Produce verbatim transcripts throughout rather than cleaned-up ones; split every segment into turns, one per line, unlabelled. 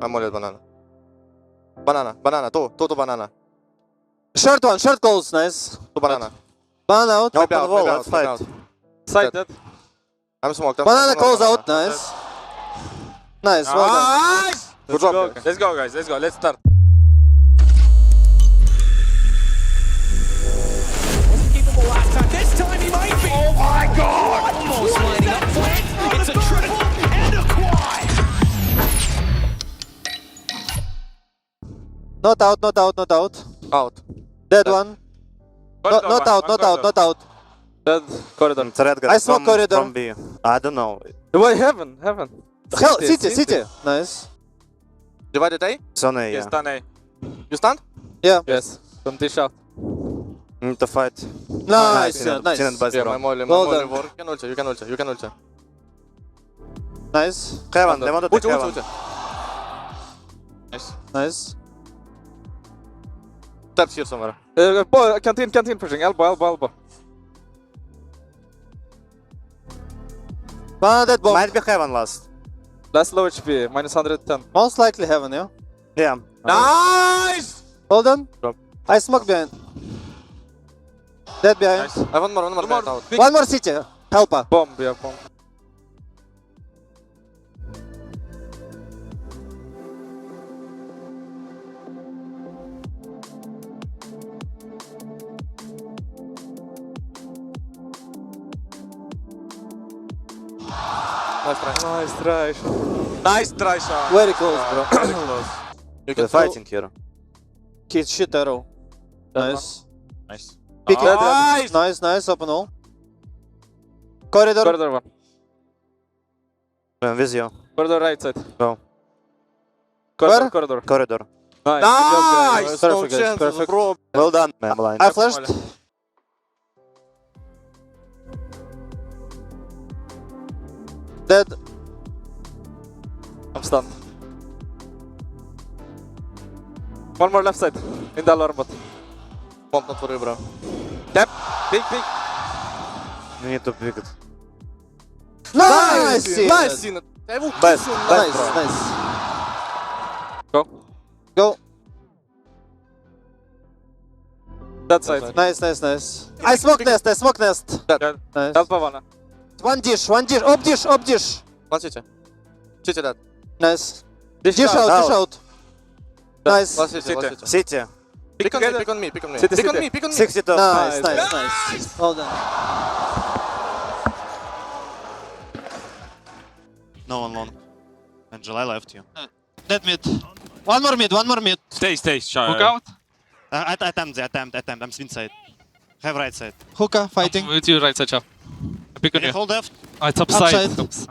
I'm molly banana. Banana, banana, two, two to banana.
Short one, short goals, nice.
Two banana.
Banana out.
Maybe
Open
out,
wall,
maybe
let's
out, maybe
fight.
out.
Side dead.
I'm smoked. I'm
Banana
smoked.
calls
Banana.
out, nice. Nice, well done.
Nice!
Good
Let's
job,
go,
guys.
let's go, guys. Let's go. Let's start.
Wasn't capable last time. This time he might be. Oh my God! Almost lining up for it. It's a triple and a quad.
Not out, not out, not out.
Out.
Dead
Dead.
one. No,
Corridor,
not
one,
out,
one
not out,
corridor.
not out.
Dead corridor.
Mm, Threat guy
I smoke
from,
corridor.
from B. I don't know.
Wait, heaven, heaven.
Hell, city, city. Nice.
Divided A?
It's on A,
Yes,
yeah.
done A.
You stand?
Yeah.
Yes. Don't dish out.
Need to fight.
Nice, yeah,
Tenant
nice.
base,
Yeah,
bro.
my molly, my
Well
molly
done.
work. You can ulti, you can ulti, you can ulti.
Nice,
Heaven, they want to take
Ulti, ulti,
heaven.
ulti. Nice.
nice.
Taps here somewhere.
Uh, boy, canteen, canteen pushing. Elbow, elbow, elbow.
Banana dead bomb.
Might be heaven last.
Last low H P, minus one hundred ten.
Most likely heaven, yeah?
Yeah.
Nice!
Hold on.
Drop.
I smoke behind. Dead behind.
Nice. I want more, one more,
One more.
behind out.
Big
One more city. Helper.
bomb, yeah, bomb.
Nice try.
Nice try shot. Nice try shot.
Very close, bro.
Very close.
You
They're
can
fighting here.
Kid shit arrow. Nice.
Nice.
Pick it.
Nice!
Nice, nice. Open all. Corridor.
Corridor one.
I'm with you.
Corridor right side.
Go.
Corridor,
Where?
corridor.
Corridor.
Nice. Good job, guys.
Nice!
Perfect,
No
guys,
chances,
perfect.
bro.
Well done, man. Blind.
I flashed. Dead.
I'm stunned. One more left side. In the alarm bot.
Bomb not for you, bro.
Tap. Big, big.
You need to pick it.
Nice.
Nice! Nice! Hij wil
Best,
kiezen,
best,
Nice,
bro.
nice.
Go.
Go.
That side.
Nice, nice, nice. I smoke nest. I smoke nest.
Yeah.
Nice.
Help Havana.
One dish. One dish. Up dish. Up dish.
One city. City dead.
Nice.
Dish,
Dish out.
out.
Dish out. Nice.
One city, one
City.
city.
City.
Pick on me,
together.
pick on me, pick on me.
City,
Pick on
city.
me, pick on me.
sixty-two.
Nice,
Nice.
nice, nice. Well done.
No one long. Angel, I left you.
Dead mid. One more mid. One more mid.
Stay, stay, shy.
Hook out.
Uh, I attempt, attempt, attempt. I'm swing side. Have right side.
Hookah fighting.
With you, right side, chap. I pick on
Can you
you.
hold left?
Ah, top
Upside.
side. Top side.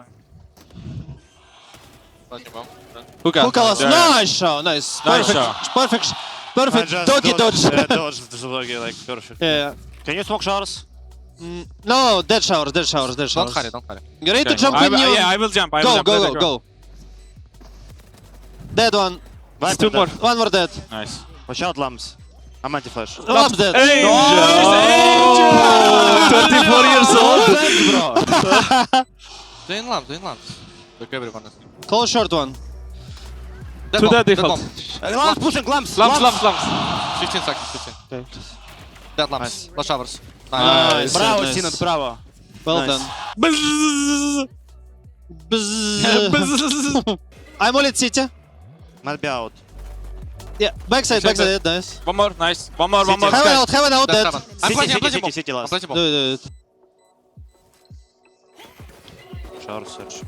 Hookah.
Hookah was
Yeah, yeah.
nice shot. Nice.
Nice
Perfect.
shot.
Perfect. sh- Perfect.
I just
Doggy dodge.
Yeah, dodge the doggy, like, perfect.
Yeah.
Can you smoke showers?
Mm, no, dead showers. Dead showers. Dead
Don't
showers.
hurry, don't hurry.
You ready to
Okay.
jump
I,
in?
will-
You?
yeah, I will jump. I will
Go,
jump.
go,
Let
go,
it
go. Dead one.
It's two more.
One more dead.
Nice.
Watch out, lamps. I'm anti-flash.
Lamp dead.
Angel!
Oh,
twenty-four years old.
bro.
Doing lamps, doing lamps. Look, everyone is.
Call short one.
Dead
To
bomb,
the
dead
default.
bomb.
Uh, lamps pushing, lamps!
Lamps, lamps, lamps.
fifteen seconds, fifteen.
Okay.
Dead lamps. Last showers.
Nice.
Bravo,
nice.
Sinat, bravo.
Well
Nice.
done.
Bzzz.
Bzzz.
Bzzz.
I'm all at city.
Might be out.
Yeah. Backside,
Check
backside. Nice.
One more, nice. One more, one more.
Heaven out. Heaven out.
Dead
Dead.
seven. I'm
City,
planting, I'm
city,
planting
city,
bomb.
city
I'm
last.
planting
Do
bomb.
it. Do it.
Shower search.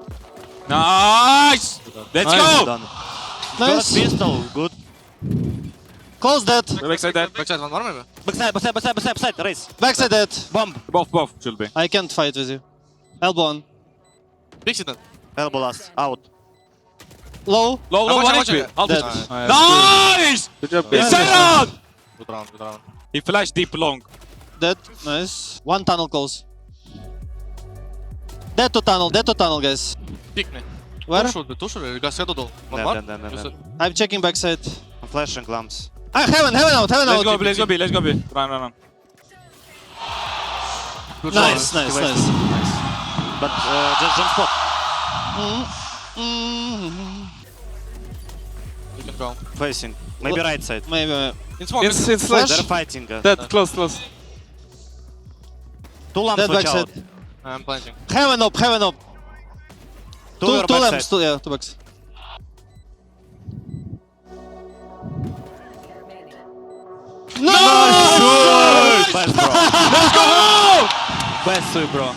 Nice. Let's
Nice,
go.
done. Got
Nice.
pistol, good.
Close dead.
Backside dead.
Backside, one more maybe?
Backside, backside, backside, backside, backside, race.
Backside dead.
Bomb.
Both, both should be.
I can't fight with you. Elbow on.
Big city.
Elbow last, out.
Low.
Low, low,
I'm
one
watching,
H P.
watching.
Half
Dead.
H P.
Nice.
Nice.
Good job,
It's
guys.
around.
Good round, good round.
He flashed deep long.
Dead. Nice. One tunnel close. Dead to tunnel. Dead to tunnel, guys.
Pick me.
Where?
Two should be, two should be. You guys head all. One
Dead,
more?
dead, dead, dead,
You
dead.
said-
I'm checking backside.
I'm flashing lamps.
Ah, heaven, heaven out, heaven
Let's
out.
go B, let's go B, let's go B. Run, run, run.
Good
Nice,
shot.
nice,
He
nice.
But uh, just jump spot.
Mm, mm.
go.
Facing. Maybe right side.
Maybe. uh,
In smoke.
In, in
Flash.
They're fighting. Uh,
Dead, close, close.
two lamps
Dead
watch
backside.
out.
I'm planting.
Heaven up, heaven up.
Two,
Two,
your
two
backside.
lamps, two, yeah, two backs.
Best, bro. Let's go! Best suit, bro.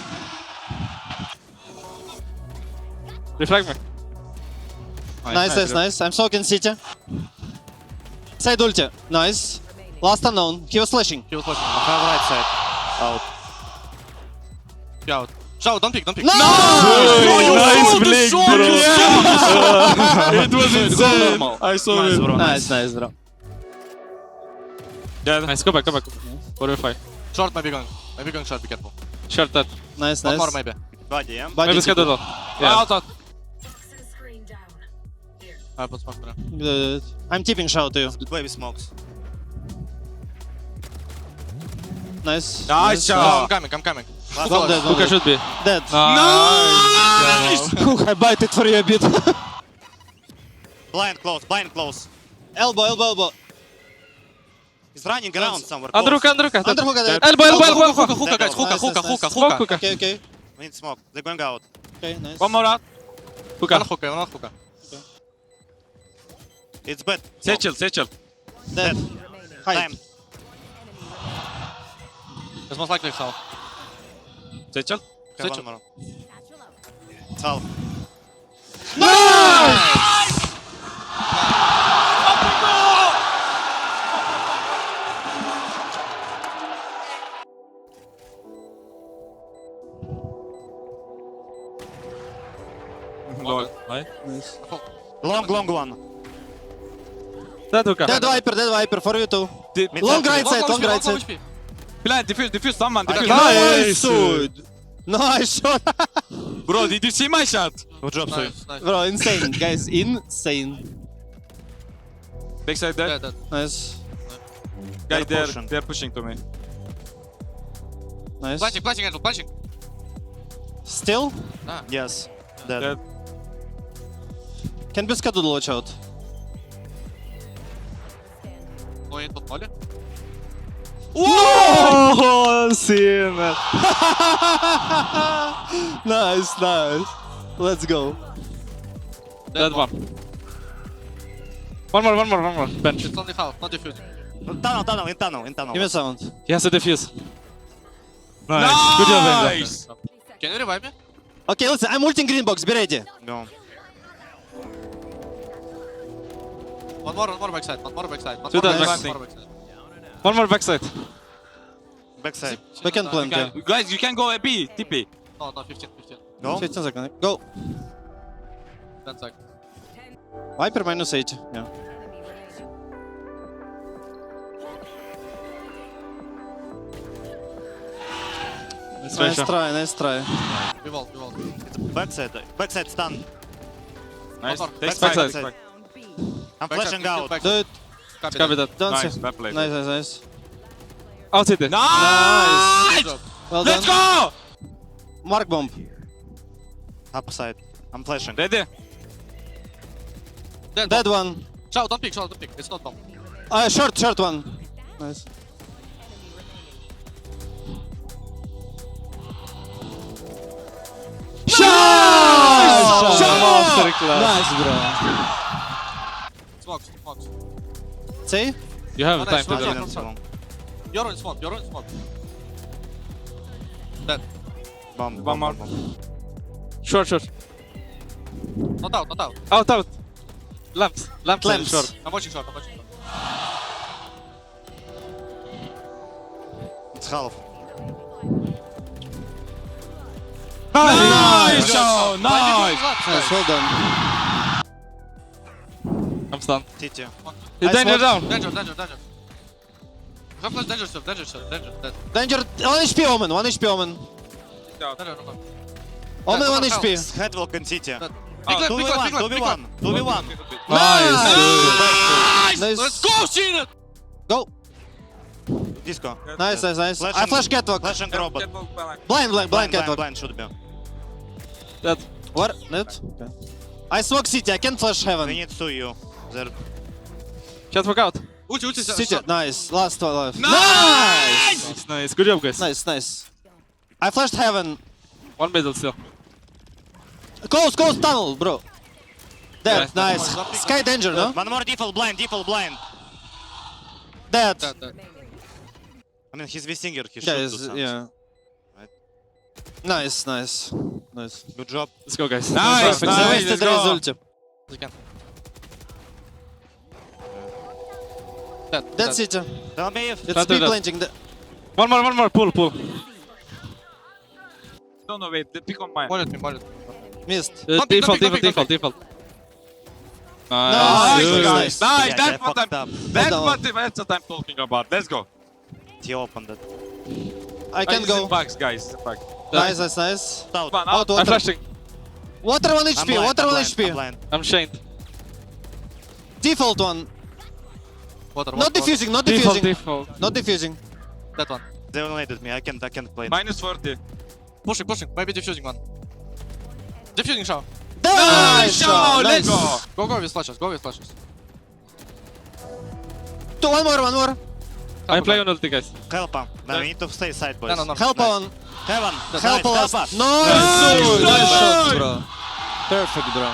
Reflect me.
Nice, nice, nice. I'm soaking city. Side ulti. Nice. Last unknown. He was flashing.
He was flashing.
I have right side. Out.
Be out. Shout, don't pick, don't pick.
No!
Nice blink, bro. It was insane. I saw
Nice,
it.
bro.
Nice, nice, bro.
Yeah, nice. Go back, go back. Four or five.
Short maybe going. Maybe going short, be careful.
Short that.
Nice,
One
nice.
more maybe.
Body, yeah?
Body
Maybe
tip.
schedule.
Yeah.
Yeah.
Out, out. I put smoke there.
Good. I'm tipping shout to you.
Baby smokes.
Nice.
Nice,
Oh.
I'm coming, I'm coming.
One dead, one
Hookah
dead.
should be.
Dead.
Nice.
I bite it for you a bit.
Blind close, blind close.
Elbow, elbow, elbow.
He's running around somewhere. Close.
Under hookah, under hookah.
Under hookah, dead.
Elbow, elbow, elbow,
Hookah,
elbow.
hookah, guys, hookah,
Nice,
hookah,
nice,
hookah,
nice.
Smoke
hookah.
hookah.
Okay, okay.
We need smoke. They're going out.
Okay, nice.
One more out.
One
Hookah.
hookah, one hookah.
It's bad.
Satchel, satchel.
Dead. Hide.
Time.
It's most likely south.
Satchel.
Okay,
Satchel.
one more. It's half.
Lol. Right.
Long, long one.
That hookah.
Dead Viper, dead Viper, for you too.
Mid
Long
side.
right side, long right
Long
side.
H P.
Plant, defuse, defuse someone,
I
defuse.
got-
Nice, dude. Nice shot.
Bro, did you see my shot?
Good job, Sui.
Nice, nice.
Bro, insane, guys, insane.
Backside there.
Yeah, that.
Nice,
Guy
They're
there,
pushing.
they're pushing to me.
nice.
Planting, planting, Angel, planting.
Still?
Yes. Dead.
Dead.
Can be scheduled, watch out.
Going into molly.
Oh, seen it. Nice, nice. Let's go.
Dead one. One more, one more, one more. Bench.
It's only half, not defusing.
Tunnel, tunnel, in tunnel, in tunnel.
Give me a sound.
He has a defuse. Nice. Good job, Angel.
Nice. Can you revive me?
Okay, listen, I'm ulting green box, be ready.
Go.
One more, one more backside, one more backside. One
Two
more
times
backside,
backside.
one more backside.
One more backside.
Backside.
Backhand
Uh,
plant, yeah.
Guys, you can go A B, T P.
No, no, fifteen, fifteen.
Go.
fifteen seconds. Go.
ten seconds.
Viper minus eighty, yeah. Nice try, nice try.
We wall, we wall.
Backside. Backside stun.
Nice.
One more.
Take
Backside,
backside.
backside. I'm
Backside,
flashing
kill
out.
backside.
Do it.
Copy
Copy
that.
that.
Don't
Nice,
say.
well played.
Nice, nice, nice.
Outside there.
Nice.
Good job.
Well
Let's
done.
go!
Mark bomb.
Upside. I'm flashing.
Ready?
Dead,
Dead
bomb.
one.
Shout, don't pick, shout, don't pick. It's not bomb.
Uh, short, short one. Nice. Shot! Nice, bro.
Smoke, smoke.
See?
You have
Oh,
time
nice,
to
nice,
do
nice.
that.
Didn't so long.
You're in smoke, you're in smoke. Dead.
Bomb,
One
bomb,
more.
bomb, bomb.
Short, short.
Not out, not out.
Out, out. Lamps. Lamps.
Lamps.
Short.
I'm watching short, I'm watching short.
It's half.
Nice!
Why
Nice!
did you do that,
Nice,
guys?
well done.
I'm stunned.
T T.
He's
I
danger
smoked.
down.
Danger, danger, danger. Have flash, danger stuff, danger stuff, danger, dead.
Danger, one H P Omen, one H P Omen.
Danger, no, no.
Omen, one
Dead,
H P.
Head walk in T T.
Dead.
Oh,
Big left,
two v
big left,
one,
big left,
two v
big left.
one, two v one.
Nice.
Nice.
Let's go, Sheen!
Go.
Disco.
Nice, nice, nice.
Flash
I
and-
flash catwalk.
Flash and robot.
Blind, blind, blind
Blind, blind,
catwalk.
blind should be.
Dead.
What? Net? Okay. I smoke city, I can flash
We
heaven.
need to you. There. Can't walk out.
Ulti, ulti.
City, nice. Last one left.
Nice!
It's nice. Good job, guys.
Nice, nice. I flashed heaven.
One middle still.
Close, close tunnel, bro. Dead,
Nice.
nice. Sky danger, no?
One more default blind, default blind.
Dead.
Dead, dead.
I mean, he's V-Singer, he should
Yeah,
do
is-
something.
yeah.
Right.
Nice, nice. Nice.
Good job.
Let's go, guys.
Nice,
They
nice,
wasted
let's
Raze
go.
ulti.
You can. Dead,
Dead
dead.
City.
Tell me if...
It's
Not do
B
that.
planting. The...
One more, one more. Pull, pull.
No, no, wait. The pick on mine.
Mollet me, mollet.
Missed.
Uh,
Don't pick,
default,
don't pick,
default,
don't
default,
pick,
default.
Nice,
Nice.
nice,
Good.
nice.
Nice,
Yeah,
that's
they
what I'm.
fucked up.
That's
Hold on.
what, that's what I'm talking about. Let's go.
He opened it.
I can
It's
go.
in bugs, guys. It's in bugs.
Nice, nice, nice.
Out.
One
Out,
out.
I'm
water.
flashing.
Water one
I'm
H P,
blind,
water
I'm
one
blind,
H P.
I'm blind.
I'm chained.
Default one.
Water,
Not
water,
defusing, not
Default,
defusing.
default.
Not defusing.
water. That one.
They eliminated me, I can't, I can't play.
Minus forty.
Pushing, pushing. Maybe defusing one. Defusing Shaw.
Nice
Show,
shot,
let's
nice.
go.
Go, go with flashes, go with flashes.
Two, one more, one more.
I play on ulti, guys.
Help him. No, we need to stay side, boys.
No, no, no.
Help
Nice.
on.
Heaven.
Help
nice,
us.
help us.
Nice.
Nice.
Nice shot,
Nice.
bro. Perfect, bro.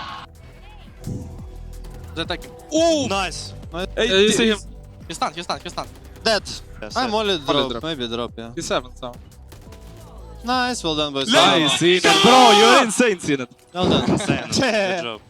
They're taking.
Ooh.
Nice.
Hey, you see him?
He's stunned, he's stunned, he's stunned.
Dead.
Yes,
I'm
yes.
only drop.
drop.
Maybe drop, yeah.
He's seven, so.
Nice, well done, boys.
Nice, Cinet. Bro, you're insane, Cinet.
Well done.
Insane. Good job.